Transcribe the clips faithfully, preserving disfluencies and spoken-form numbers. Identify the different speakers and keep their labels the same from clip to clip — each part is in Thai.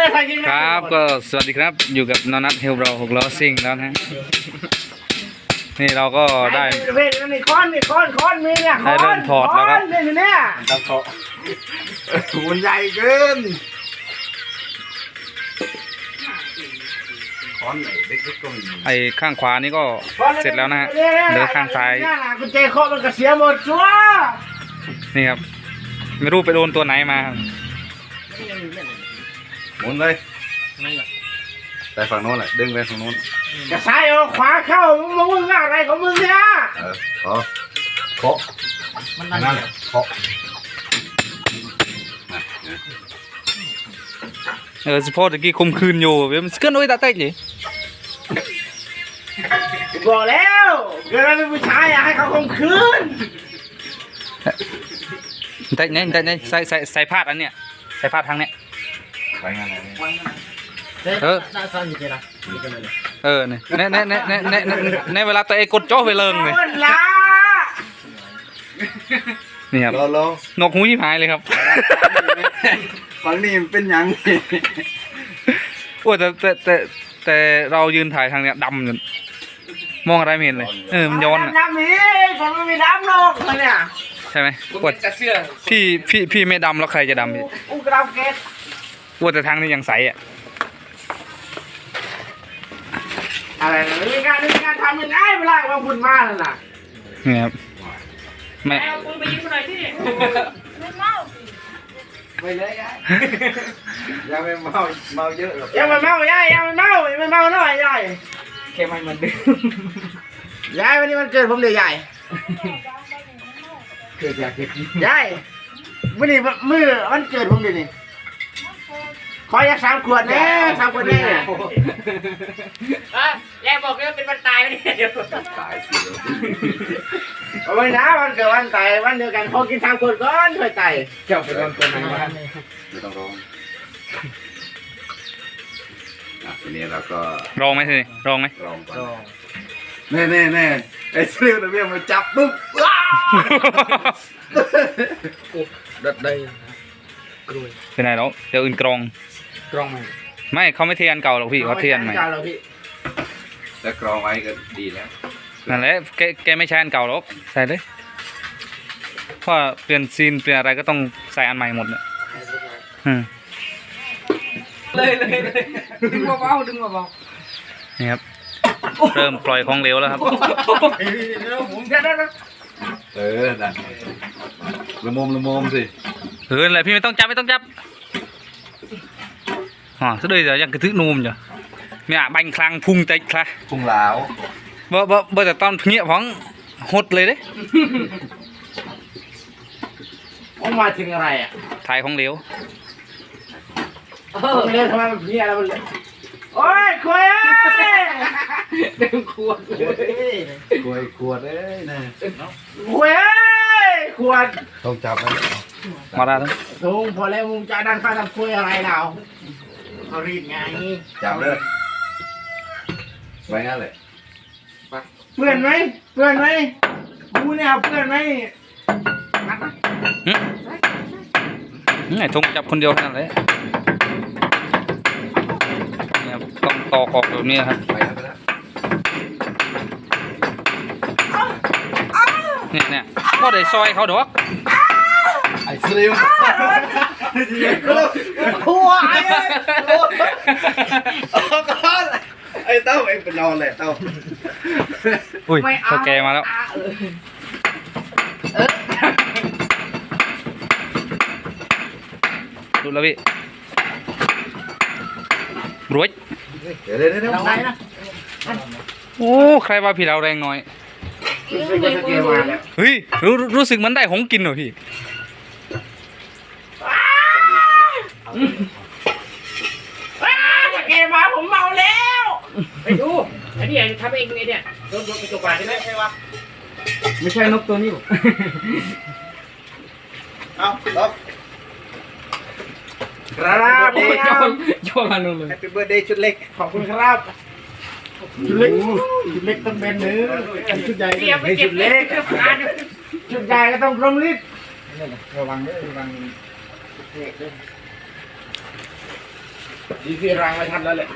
Speaker 1: ครับก็สวัสดีครับอยู่กับนนัทเฮลโบรหกล้อซิ่งแล้วนะนี่เราก็ได้
Speaker 2: เว้ยนี่ค้อนนี่ค้อนค้อนมีเนี่ย
Speaker 1: ได้เริ่มถอดแล้วครับ
Speaker 2: เนี่ยเนี่ย
Speaker 3: ต้องเขามันใหญ่เกินค้อนไหนเล็กๆก็มี
Speaker 1: ไอ้ข้างขวานี่ก็เสร็จแล้วนะฮะเหลือข้างซ้าย
Speaker 2: กุญแจเคาะมันก็เสียหมดชัว
Speaker 1: นี่ครับไม่รู้ไปโดนตัวไหนมา
Speaker 3: หมุนเลยไปฝั่งโน้นแหละดึงไปฝั่งโน้น
Speaker 2: จะซ้ายเอาขวาเข้ามึงมึงอะไรของมึงเนี่ย
Speaker 3: เออขอเคาะมันนั่นแหละเคาะ
Speaker 1: เออสปอร์ตตะกี้คุมคืนอยู่เว้ยมันเกินโอ้ยตาเต้เลย
Speaker 2: บอกแล้วเกิดอะไรเป็นผู้ชายอยากให้เขาคุมคืน
Speaker 1: เต้เนี่ยเต้เนี่ยใส่ใส่ใส่พาดอันเนี้ยใส่พาดทางเนี้ย
Speaker 3: ไปงานอะไร
Speaker 1: เออเออเนี่ยเนี่ยเนี่ยเนี่ยเนี่ยเนี่ยเวลาตัวเองกดจ่อไปเลิงเลยนี่ครับนกหูยิ้มหายเลยครับ
Speaker 3: ฝั่งนี้มันเป็นยัง
Speaker 1: โอ้แต่แต่แต่แต่เรายืนถ่ายทางเนี้ยดำจนมองอะไรไม่เห็นเลยเออมันย้อนอ่ะ
Speaker 2: ดำนี่ผมไม่มีดำหรอกเนี่ย
Speaker 1: ใช่ไหมปวดพี่พี่พี่ไม่ดำแล้วใครจะดำพี่
Speaker 2: อุ้งกระดาษเกศ
Speaker 1: ปวดแต่ทางนี้ยังใสอ่ะ
Speaker 2: อะไรมีการมีการทำยังไงเวลาว่าคุณมาแล้วน่ะ
Speaker 1: นี่ครับแม่
Speaker 2: คุณไปยิงคนไหนที่ไม่เมาไปเลยยาย
Speaker 3: ยังไม่เมาเมาเยอะหรอก
Speaker 2: ยังไม่เมายายยังไม่เมาไม่เมาหน่อยยาย
Speaker 1: แค่ไม่มันดื้
Speaker 2: อยายวันนี้มันเกิดผมเดี๋ยวยาย
Speaker 3: เกิดอยากเกิด
Speaker 2: ยายวันนี้มือมันเกิดผมเดี๋ยวนี้ขออยากสามขวดแน่สามขวดแน่ยายบอกว่าเป็นวันตายไม่ได้เดี๋ยว
Speaker 3: ตายสิ
Speaker 2: เอาไว้นะวันเกิดวันตายวันเดียวกันขอกินสามขวดก่อนค่อยตาย
Speaker 3: เจ้าเป็นวันตัวไหนวะไม่ต้องร้องอ่ะทีนี้เราก็
Speaker 1: ร้องไหมทีนี้ร้องไหม
Speaker 3: ร้องก่อนแน่แน่แน่ไอ้เสื้อตัวเบี้ยมาจับปุ๊บดัดได้กล้วย
Speaker 1: เป็นไรแล้วเดี๋ยวอื่นกรอง
Speaker 2: กรองไหม
Speaker 1: ไม่เขาไม่เทียนเก่าหรอกพี่เขาเทียนใหม่
Speaker 3: แล้วกรองไว้ก็ดีแล้ว
Speaker 1: นั่นแหละแกแกไม่ใช้อันเก่าหรอกใส่เลยเพราะเปลี่ยนซีนเปลี่ยนอะไรก็ต้องใส่อันใหม่หมดเลย
Speaker 2: เลยเลยดึงเบาๆดึงเบา
Speaker 1: ๆนี่ครับเริ่มปล่อยของเหลวแล้วครับ
Speaker 3: เออนั่นละมุมละมุมสิ
Speaker 1: เอออะไรพี่ไม่ต้องจับไม่ต้องจับอ๋อสุดเลยจะยังกระทึกนูมจ้ะมีอ่ะบังคลังพุงเต็กค่ะ
Speaker 3: พุงเหลา
Speaker 1: เบ่เบ่เบ่แต่ตอนเงี้ยของหดเลยเด้
Speaker 2: อมาถึงอะไรอ่ะ
Speaker 1: ถ่ายของเหลว
Speaker 2: เออเรียนทำไมมันเงี้ยแล้วมันโอ้ยคุยเอ้ยเต็มขวดเลย
Speaker 3: คุยขวดเอ้ยนะ
Speaker 2: คุยเอ้ยขวด
Speaker 3: ต้องจับไหม
Speaker 1: มาได้แล้ว
Speaker 2: ลุงพอแล้วมึงจะดันข้าทำคุยอะไรเราเขารีดไง
Speaker 3: จับเลยไปงั้นเลย
Speaker 2: เพื่อนไหมเพื่อนไหมกูเนี่ยเพื่อนไหม
Speaker 1: ไอ้ทงจับคนเดียวนั่นเลยเนี่ยต้องตอกออกแบบนี้ครับเนี่ยเนี่ยก็ได้ซอยเขาดอก
Speaker 3: ไอ้สลิม
Speaker 2: ขัวไอ้
Speaker 3: ไอ้เต้าเองเป็นนอนเลยเต้า
Speaker 1: อุ้ยเขาแกมาแล้วดูแล้วพี่รวย
Speaker 3: เดี๋ยวเดี๋ยวเดี๋ยวนะ
Speaker 1: โอ้ใครว่าพี่เราแรงน้อยเฮ้ยรู้รู้สึกมันได้หงกินเหรอพี่
Speaker 2: เกมาผมเมาแล้วไปดูอันนี้ทำเองเนี่ยรถรถกระจกบาดใช่ไหมใช่ปะ
Speaker 1: ไม่ใช่นกตัวนี้หรอ
Speaker 3: เอาลบ
Speaker 2: ครับ
Speaker 1: โยนโยนมาหนึ่งเลย
Speaker 3: Happy Birthday ชุดเล็ก
Speaker 2: ขอบคุณครับชุดเล็กชุดเล็กต้องเป็นเนื้อชุดใหญ่ไม่ชุดเล็กชุดใหญ่ก็ต้องกลมลิบ
Speaker 3: ระวังด้วยระวัง
Speaker 2: ดีที่รังไม่ทันแล้วแหละ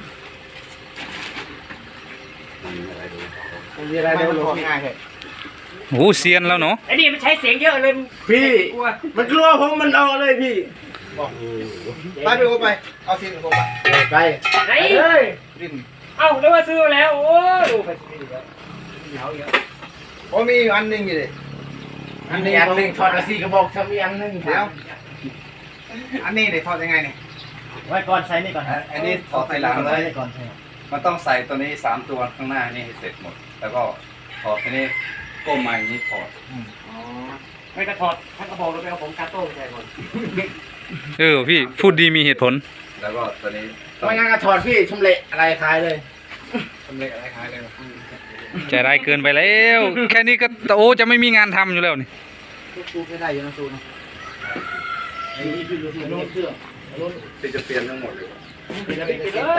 Speaker 2: มีอะไรเดี๋ยวมันง่ายเลย
Speaker 1: โอ้โหเซียนแล้วเนาะ
Speaker 4: ไอ้นี่มันใช้เสียงเยอะเลย
Speaker 2: พี่มันกลัวผมมันเอาเลยพี่ไปไปไปเอาซีนผมไปไป
Speaker 4: ไหน
Speaker 2: เฮ้ย
Speaker 4: เอ้าแล้วว่าซื้อแล้วโอ้ดูไปสิเดี๋ยวเหนียวเยอะ
Speaker 2: ผมมีอันหนึ่งอยู่เลยอันนี้อันหนึ่งถอดซีกระบอกทำอีกอันหนึ่งเดี๋ยวอันนี้เนี่ยถอดยังไงเนี่ยไว้ก่อนใส่นี่ก่อน
Speaker 3: อันนี้ถอดทีหลังเลย
Speaker 2: ก่อนใช่
Speaker 3: มันต้องใส่ตัวนี้สามตัวข้างหน้านี่ให้เสร็จหมด แล้วก็ถอดตัวนี้ก้มมาอย่างนี้ถอด
Speaker 4: ไม่กระถอดท่านกระบอกรถไปเอาผมกาโต้ไปใส่ก่อน
Speaker 1: เออพี่พูดดีมีเหตุผล
Speaker 3: แล้วก็ตัวนี้ต้อง
Speaker 2: ไม่งั้นก็ถอดพี่ชำเละอะไรคลายเลยชำเละอะไรคลายเลย
Speaker 1: ใจร้ายเกินไปแล้ว แค่นี้ก็โอ้จะไม่มีงานทำอยู่แล้วนี่
Speaker 2: ซูไม่ได้อยู่นะซูนะไอ้นี่พี่ดูสิโน้ตเครื่องโน้ต
Speaker 3: ที่จะเปลี่ยนทั้งหมดเลย
Speaker 2: เป็นอะไรเป็นอะไร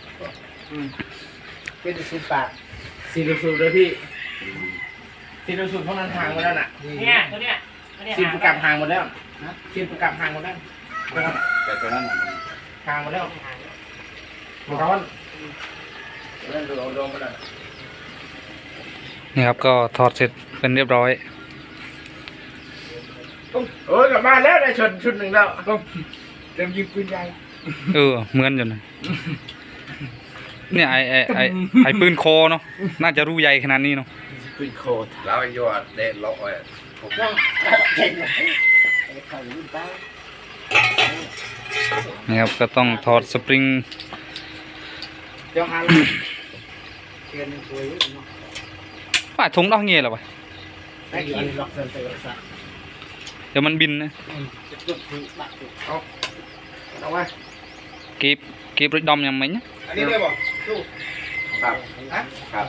Speaker 2: เป็นสิบแปดสี่ดูสูเลยพี่สี่ดูสูเพราะนั้นห่างหมดแล้วน่ะ
Speaker 4: เนี่ยตัวเนี้ยตัวเนี้ย
Speaker 2: สี่ประกับห่างหมดแล้วนะสี่ประกับห่างหมดแล้ว
Speaker 3: แต่ตัวนั้นน่ะมัน
Speaker 2: ห่างหมดแล้วมันร้อนเล่นดูเอาดมไปเลย
Speaker 1: นี่ครับก็ถอดเสร็จเป็นเรียบร้อย
Speaker 2: โอ้ยกลับมาแล้วได้ชุดชุดหนึ่งแล้วต้องเต็มยิงปืนใหญ่
Speaker 1: เออเหมือนอยู่นะเนี่ยไอไอไอไอปืนโคเนาะน่าจะรู้ใหญ่ขนาดนี้เนาะ
Speaker 2: ปืนโคตร
Speaker 3: แล้วไอ้ยอดเด็ดล็อกไว้
Speaker 2: ต้องเก่งเลยไข่รุ่นตา
Speaker 1: นี่ครับก็ต้องถอดสปริง
Speaker 2: เดี๋ยวหาเทียนสวยเนาะ
Speaker 1: ว่าทงดอกเงี้ยเหรอวะ
Speaker 2: ได้ยินล็อกเซนเซอร์ซะ
Speaker 1: เดี๋ยวมันบินนะ
Speaker 2: จะจุดที่บัตรเอาเอาไว้
Speaker 1: เก็บเก็บรถดอมยังไหมเนี่ย
Speaker 2: อันนี้ได้บ่สู้
Speaker 3: ครับครับ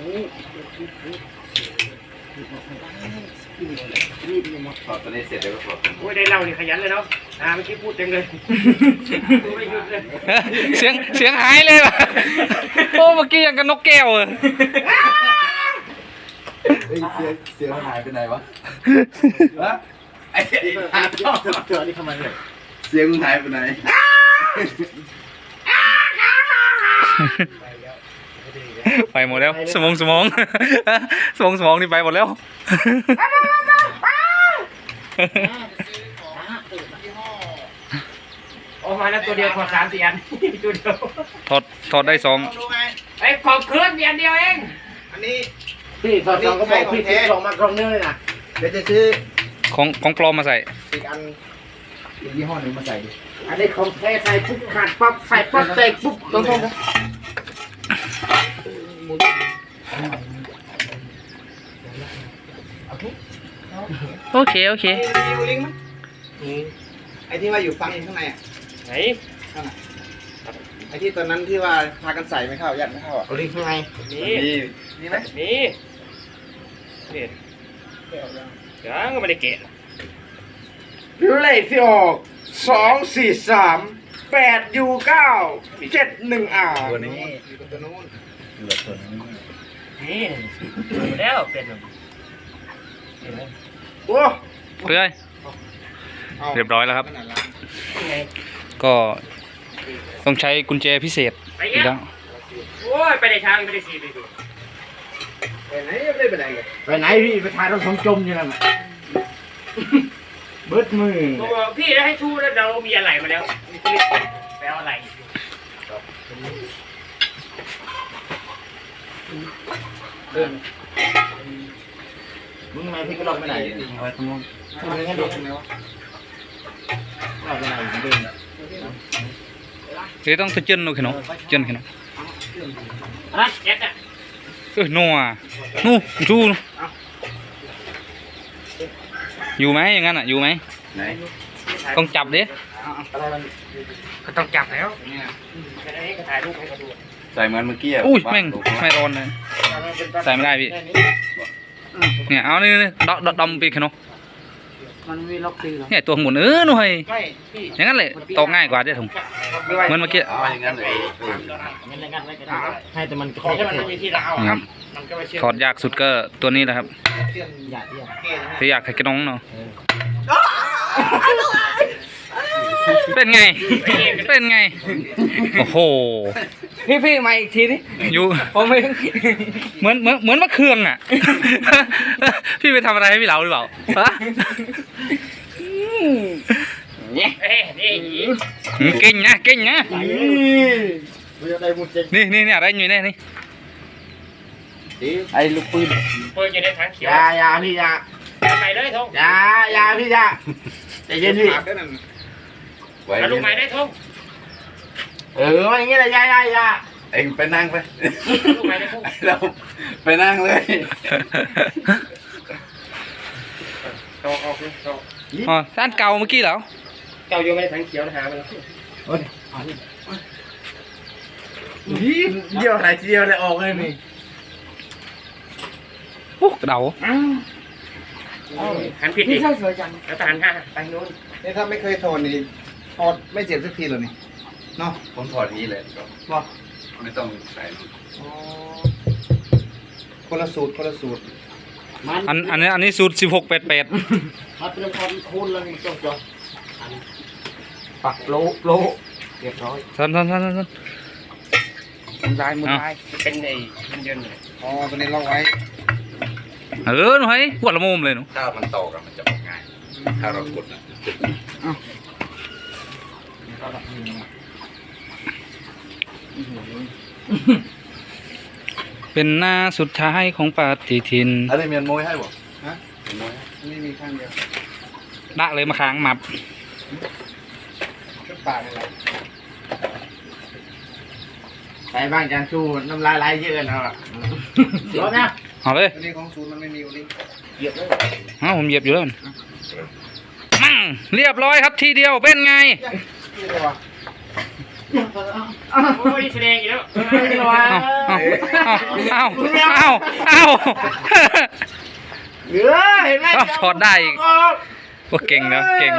Speaker 3: ถอดตัวนี้เสร็จแล้วก็ถอดตัวนี้
Speaker 4: โอ้ยได้เล่านี่ขยันเลยเนาะอ่าเมื่อกี้พูดจังเลยไม่หยุดเลย
Speaker 1: เสียงเสียงหายเลยว่ะโอ้เมื่อกี้ยังกับนกแก้วเลย
Speaker 3: เฮ้ยเสียงเสียงหายไปไหนวะฮะไอ้
Speaker 2: เจอนี่ทำไมเนี่ย
Speaker 3: เสียงหายไปไหน
Speaker 1: ไปหมดแล้วสมองสมองสมองสมองนี่ไปหมดแล้ว
Speaker 4: ออกมาแล้วตัวเดียวถอดสามสี่อันตัวเดียว
Speaker 1: ถอดถอดได้สอง
Speaker 4: ไอ้ขอบเคลื่อนอันเดียวเอง
Speaker 2: อันนี้พี่สอดสองก็บอกพี่ซื้อสองมากรองเนื้อเลยนะเดี๋ยวจะซื้อ
Speaker 1: ของของปลอมมาใส่
Speaker 2: อีกอันอีกยี่ห้อหนึ่งมาใส่ดิอันนี้ของแท้ใส่ปุ๊บขาดปั๊บใส่ปั๊บใส่ปุ๊บตรงๆนะ
Speaker 1: โอเคโอเค
Speaker 2: มีลิงก์มั้ยไอ้ที่ว่าอยู่ฟังข้างในอ่ะ
Speaker 4: ไหน
Speaker 2: นั่นน่ะไอ้ที่ตอนนั้นที่ว่าพากันใส่ไม่เข้ายัดไม่เข้าอ่ะลิงก์ข้างใน
Speaker 4: นี่
Speaker 3: นี่
Speaker 2: มีไหม
Speaker 4: นี่นี่ยังก็ไม่ได้เกะ
Speaker 2: เลขที่ออกสองสี่สามแปดยูเก้าเจ็ดหนึ่งอ่า
Speaker 3: ตัวนี้
Speaker 2: ตัวนู้น
Speaker 3: เหลือตัวนี้
Speaker 4: นี่ดูแล้วเป็น
Speaker 2: โอ้
Speaker 1: เพื่อยเรียบร้อยแล้วครับ
Speaker 4: ไง
Speaker 1: ก็ต้องใช้กุญแจพิเศษ
Speaker 4: ไป
Speaker 1: อีก
Speaker 4: แล้
Speaker 1: แล้ว ว
Speaker 4: โอ้ยไปในช้างไม่ได้สีไปดู
Speaker 2: ไปไหนไม่ได้ไปไหนเลยไปไหนพี่ไปถ่ายรถผมจมอยู่นั่นแหละเบิดมือ
Speaker 4: ตัวพี่แล้วให้ชูแล้วเรามีอะไรมาแล้วมีคลิปไปเอาอะไร
Speaker 2: เดินมึงทำไมพี่ก็ลอกไปไหนเอาไว้ตรงนู้นทำไมงั้นเดินทำไมวะลอกไปไหนเดิน
Speaker 1: เดี๋ยวต้องตะเจนหนูขนมเจนขนม
Speaker 4: รัดแจ็คอะ
Speaker 1: เออนัวนู่ชูอยู่ไหมอย่างนั้นอ่ะอยู่ไหม
Speaker 3: ไหน
Speaker 1: ต้องจับดิ
Speaker 2: อะไรมัน
Speaker 4: ก็ต้องจับแล้วแค่นี้ก็ถ่ายรูปให้เขาดู
Speaker 3: ใส่เหมือนเมื่อกี้ะ
Speaker 1: อุ้ยแม่ง
Speaker 3: วา
Speaker 1: ไม่ร้อนเลย ใส่ไม่ได้พี่ เนี่ยเอานี่นี่ดอดดอมปีกขนม
Speaker 2: มันมีล็อกตีหรอ
Speaker 1: เนี่ยตัวหมุนเออหน่อย
Speaker 2: ไม่พี่
Speaker 1: อย่างนั้นเลยตอกง่ายกว่าเด้ถุงเหมือนเมื่อกี้
Speaker 3: เอาอย่างนั้นเลยเออ
Speaker 2: งั้นงั้นไม่ก็ได้ให้แต่มัน
Speaker 4: ขอแค่มันไม่มีที่เรา
Speaker 1: นี่ครับ
Speaker 4: มันก็ไม่เชื่อ
Speaker 1: ถอดยากสุดก็ตัวนี้แหละครับ
Speaker 2: อย่าเที่ยว
Speaker 1: ที่อยากให้กระน้องเนาะเป็นไง เป็นไง โอ้โห
Speaker 2: พี่พี่มาอีกทีนี่
Speaker 1: อยู่
Speaker 2: ผมไม่
Speaker 1: เหมือนเหมือนเหมือนมะเขืองอ่ะ พี่ไปทำอะไรให้พี่เหลาหรือเปล่าฮะ
Speaker 2: เนี่ย
Speaker 4: เอ้ยนี่
Speaker 1: อืมเก่งนะเก่งนะ
Speaker 2: ไม่ได้มุดเจ
Speaker 1: นี่นี่นี่อะไรอยู่เนี่ยนี่
Speaker 2: ไอ้ลูกปืน
Speaker 4: ปืนอยู่ในถังเขียวย
Speaker 2: ายาพี่ยา
Speaker 4: เอาใหม่เลยทง
Speaker 2: ยายาพี่ยาใจเย็นพี่
Speaker 3: ไว้
Speaker 4: เอาลูกใหม่ได้ทง
Speaker 2: เอออย่างเงี้ยแหละยายายา
Speaker 3: เองไปนั่งไป
Speaker 4: ลูกใหม่ได้ทง
Speaker 3: เราไปนั่งเลย
Speaker 4: ตอกออกเลยตอก
Speaker 1: อ๋อด้านเก่าเมื่อกี้เหรอ
Speaker 4: เก่าอยู่ในถังเขียวนะหาไปแล้ว
Speaker 2: เดียวไหนทีเดียวเลยออกเลยนี่
Speaker 1: โอ้กระเดา
Speaker 4: หันผิดดิแล้วก็หันห้าไปโน้น
Speaker 2: นี่ถ้าไม่เคยถอดนี่ถอดไม่เจ็บสักทีเลยนี่เนาะ
Speaker 3: ผมถอดนี้เลยก็
Speaker 2: บอก
Speaker 3: ไม่ต้องใส่นู่น
Speaker 2: คนละสูตรคนละสูตร
Speaker 1: อันอันนี้อันนี้สูตรสิบหกแปดแปด
Speaker 2: มาเตรียมความคูณแล้วนี่จ้องจ้องปักโลโลเรียบร้อย
Speaker 1: สันสันสันสัน
Speaker 2: มุนลายมุนลาย
Speaker 4: เป็นไอ้มันเยินเลย
Speaker 2: อ๋อตัวนี้ล็อกไว้
Speaker 1: เออหนูให้ปวดละมุมเลยหนู
Speaker 3: ถ้ามันต่อกันมันจะบอกง่าย ถ้าเรากดนะจุดนะ
Speaker 1: เป็นหน้าสุดท้ายของปฏิทิน
Speaker 3: อะไรเมียนมวยให้บ่
Speaker 2: ฮะ
Speaker 3: เมียนมวยให้
Speaker 2: นี่มีข้างเดียว
Speaker 1: ดะเลยมาค้างมับ
Speaker 2: ชุดปากนี่แหละใส่บ้างจานชูน้ำลายไหลเยอะแล้วอ่ะร้อนนะ
Speaker 1: เอาเลย
Speaker 2: ตัวนี้ของศูนย์มันไม่มีวันนี้เหยียบเลย
Speaker 1: เอาผมเหยียบอยู่แล้วมั่งเรียบร้อยครับทีเดียวเป็นไง
Speaker 2: นี่เลยวะ
Speaker 4: โอ้ยแสดงอีกแล้ว
Speaker 2: นี่เลยวะ
Speaker 1: เอาเอาเอาเอาเอา
Speaker 2: เหลือเห็นไหม
Speaker 1: เอาถอดได้อีก โอ้เก่งนะเก่ง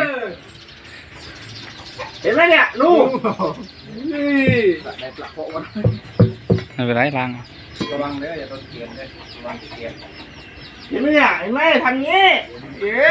Speaker 2: เห็นไหมเนี่ยลูกนี่ได้ปลักโปะวัน
Speaker 1: ไม่เป็นไรล้าง
Speaker 2: ระวังเลยอย่าโดนเกียนเลยระวังเกียนเห็นไหมเนี่ยเห็นไหมทำงี้เย้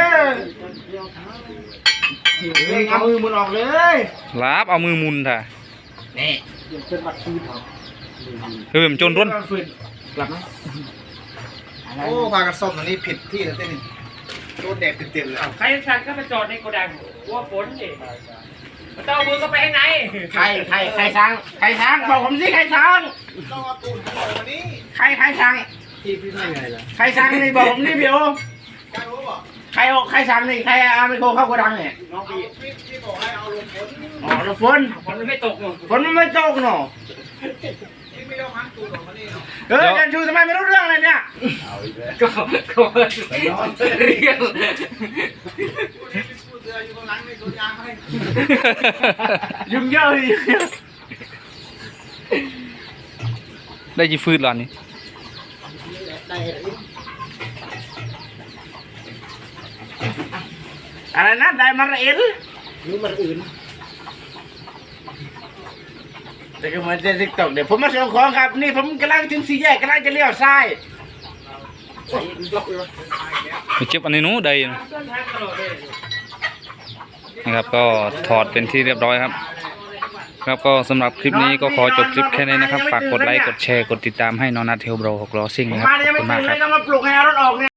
Speaker 2: เลยเอามือมันออกเลย
Speaker 1: ลาบเอามือมุนท่ะ
Speaker 2: นี่เป็นบัตรคืนเหรอ
Speaker 1: เฮ้ยผมจนร้น
Speaker 2: กลับไหมโอ้พากันซ่อมตรงนี้ผิดที่แล้วเต้นโดนแดดเต็มๆเลย
Speaker 4: ใครสั่งก็ไปจอดในโกดังกลัวฝนดิมันต้องเอามือก็ไปข้างใน
Speaker 2: ใครใครใครช้างใครช้างบอกผมสิใครช้างต้องเอาตูนเข้ามานี้ใครใครช้างที่พี่ไม่ไงล่ะใครช้างนี่บอกผมนี่พี่โอใครใครช้างนี่ใครเอาไมโครเข้าโกดังเนี่ย
Speaker 4: น้องพี่
Speaker 2: พี่บอกให้เอาลงฝนอ๋อลงฝน
Speaker 4: ฝนมันไม่ตกหรอก
Speaker 2: ฝนมันไม่ตกเนาะพี่ไม่ต้องหันตูนออกมานี่เนาะเฮ้ยจันชูทำไมไม่รู้เรื่องเลยเนี่ย
Speaker 3: เอาอีกแล้ว
Speaker 4: ก็ก็เรียก
Speaker 2: ยุ่งเยอะเลย
Speaker 1: ได้จีฟืดหรอนี่
Speaker 2: อะไรนะได้มาเอ็นยุ่งมาอื่นแต่ก็เหมือนเต้นติ๊กต็อกเดี๋ยวผมมาส่งของครับนี่ผมกำลังถึงสี่แยกกำลังจะเลี้ยวซ้าย
Speaker 1: ไปเจ็บอันนี้หนู้ได้นะนะครับก็ถอดเป็นที่เรียบร้อยครับ ครับก็สำหรับคลิปนี้ก็ขอจบคลิปแค่นี้นะครับ ฝากกดไลค์กดแชร์กดติดตามให้นอนัทเทลโบรหกล้อซิ่งนะครับ
Speaker 2: มา
Speaker 1: ข
Speaker 2: ยั
Speaker 1: อบ
Speaker 2: งไม่
Speaker 1: คุณมาก
Speaker 2: ตื่น
Speaker 1: ค
Speaker 2: เล
Speaker 1: รับ
Speaker 2: ยต้องมาปลุกให้เอารถออกเนี่ย